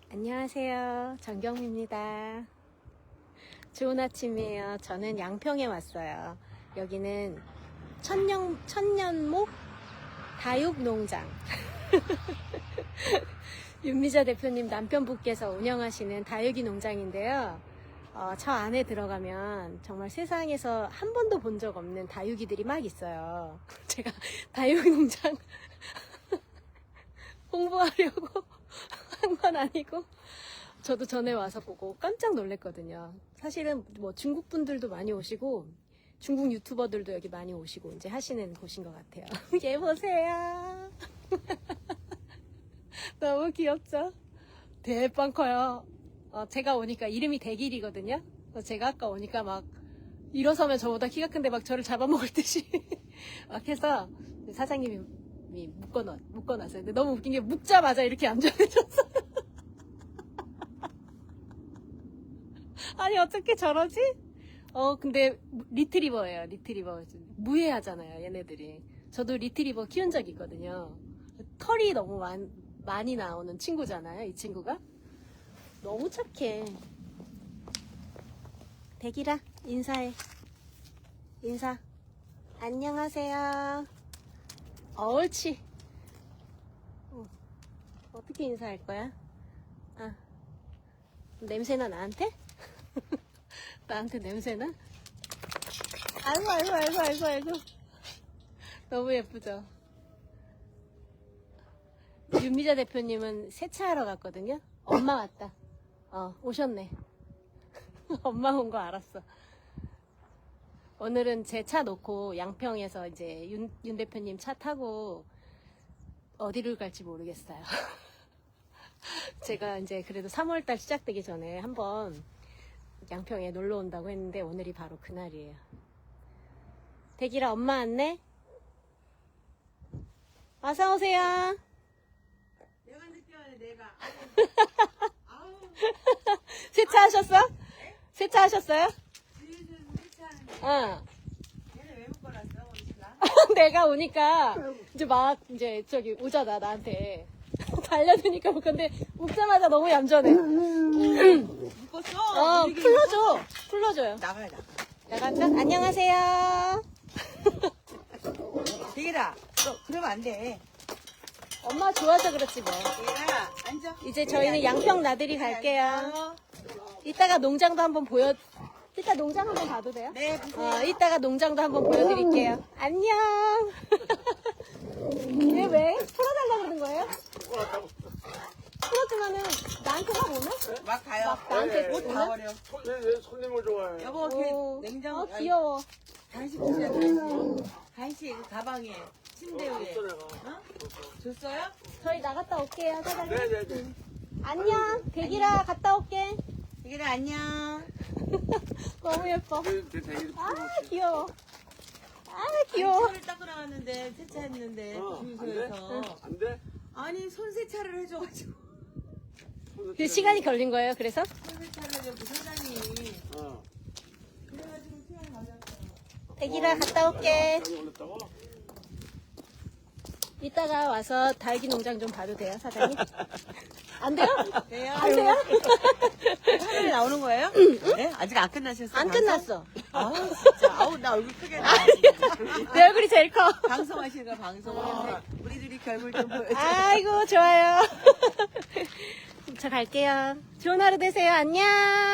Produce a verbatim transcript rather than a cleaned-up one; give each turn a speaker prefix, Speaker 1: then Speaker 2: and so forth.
Speaker 1: 안녕하세요. 정경미입니다. 좋은 아침이에요. 저는 양평에 왔어요. 여기는 천년, 천년목 다육농장. 윤미자 대표님 남편분께서 운영하시는 다육이 농장인데요. 어, 저 안에 들어가면 정말 세상에서 한 번도 본 적 없는 다육이들이 막 있어요. 제가 다육농장 홍보하려고 한 건 아니고 저도 전에 와서 보고 깜짝 놀랐거든요. 사실은 뭐 중국 분들도 많이 오시고 중국 유튜버들도 여기 많이 오시고 이제 하시는 곳인 것 같아요. 얘 보세요. 너무 귀엽죠? 대빵 커요. 어, 제가 오니까 이름이 대길이거든요. 그래서 제가 아까 오니까 막 일어서면 저보다 키가 큰데 막 저를 잡아먹을 듯이 막 해서 사장님이 묶어놨, 묶어놨어요. 근데 너무 웃긴 게 묶자마자 이렇게 얌전해졌어요. 아니 어떻게 저러지? 어 근데 리트리버예요. 리트리버. 무해하잖아요 얘네들이. 저도 리트리버 키운 적이 있거든요. 털이 너무 많, 많이 나오는 친구잖아요 이 친구가. 너무 착해. 대기라 인사해. 인사. 안녕하세요. 어, 옳지. 어, 어떻게 인사할 거야? 아, 냄새나 나한테? 나한테 냄새나? 아이고 아이고 아이고 아이고 아이고. 너무 예쁘죠? 윤미자 대표님은 세차하러 갔거든요. 엄마 왔다. 어 오셨네. 엄마 온 거 알았어. 오늘은 제 차 놓고 양평에서 이제 윤, 윤 대표님 차 타고 어디를 갈지 모르겠어요. 제가 이제 그래도 삼월달 시작되기 전에 한번 양평에 놀러 온다고 했는데 오늘이 바로 그날이에요. 대기라 엄마 왔네? 어서 오세요.
Speaker 2: 내가 늦게 왔네 내가. 아우.
Speaker 1: 세차하셨어? 세차하셨어요?
Speaker 2: 뒤에서 세차하는데
Speaker 1: 응.
Speaker 2: 얘는 왜 묶어놨어 오니까?
Speaker 1: 내가 오니까 이제 막 이제 저기 오잖아 나한테 달려드니까 근데 웃자마자 너무 얌전해.
Speaker 2: 묶었어?
Speaker 1: 어
Speaker 2: 이렇게
Speaker 1: 풀러줘 풀러줘요.
Speaker 2: 나가야 나가.
Speaker 1: 나간다. 안녕하세요.
Speaker 2: 대기라 너 그러면 안 돼.
Speaker 1: 엄마 좋아서 그렇지 뭐.
Speaker 2: 대기라 앉아.
Speaker 1: 이제 저희는 양평 나들이 갈게요.
Speaker 2: 앉아.
Speaker 1: 이따가 농장도 한번 보여. 이따 농장 한번 봐도 돼요?
Speaker 2: 네 보세요.
Speaker 1: 어, 이따가 농장도 한번 보여드릴게요. 안녕. 얘 왜? 풀어달라고 그러는 거예요? 풀어주면은 나한테 막 오나?
Speaker 2: 막 가요.
Speaker 1: 막 나한테
Speaker 2: 옷
Speaker 1: 오나?
Speaker 2: 다 버려.
Speaker 3: 손, 얘 손님을 좋아해.
Speaker 2: 여보 걔
Speaker 1: 오,
Speaker 2: 냉장고
Speaker 1: 어, 귀여워.
Speaker 2: 간식 주세요 간식. 간식 그 가방에 침대 위에.
Speaker 3: 줬어, 내가.
Speaker 2: 어? 줬어요?
Speaker 1: 저희 나갔다 올게요, 사장님.
Speaker 3: 네네네.
Speaker 1: 안녕. 대기라 갔다 올게.
Speaker 2: 대기라 안녕.
Speaker 1: 너무 예뻐.
Speaker 3: 내, 내 대기를
Speaker 1: 아,
Speaker 3: 풀어놓지.
Speaker 1: 귀여워. 아, 귀여워.
Speaker 2: 손을 닦고 나왔는데 세차했는데
Speaker 3: 어, 안 돼?
Speaker 2: 주유소에서.
Speaker 3: 안 돼?
Speaker 2: 아니 손 세차를 해줘가지고
Speaker 1: 그 시간이 걸린 거예요, 그래서?
Speaker 2: 손 세차를 해줘고 사장님이
Speaker 3: 어.
Speaker 2: 그래가지고 수영 가졌어요.
Speaker 1: 대기라 갔다 올게.
Speaker 3: 여기 올렸다고?
Speaker 1: 이따가 와서 다육이 농장 좀 봐도 돼요, 사장님? 안 돼요?
Speaker 2: 돼요?
Speaker 1: 안 돼요?
Speaker 2: 화면에 나오는 거예요? 네? 아직 안 끝나셨어요?
Speaker 1: 안
Speaker 2: 방송?
Speaker 1: 끝났어.
Speaker 2: 아우 진짜 아우 나 얼굴 크게 나.
Speaker 1: 내 얼굴이 제일 커.
Speaker 2: 방송하시는 거 방송하는데 우리 둘이 결국 좀 보여줘.
Speaker 1: 아이고, 좋아요. 저 갈게요. 좋은 하루 되세요. 안녕.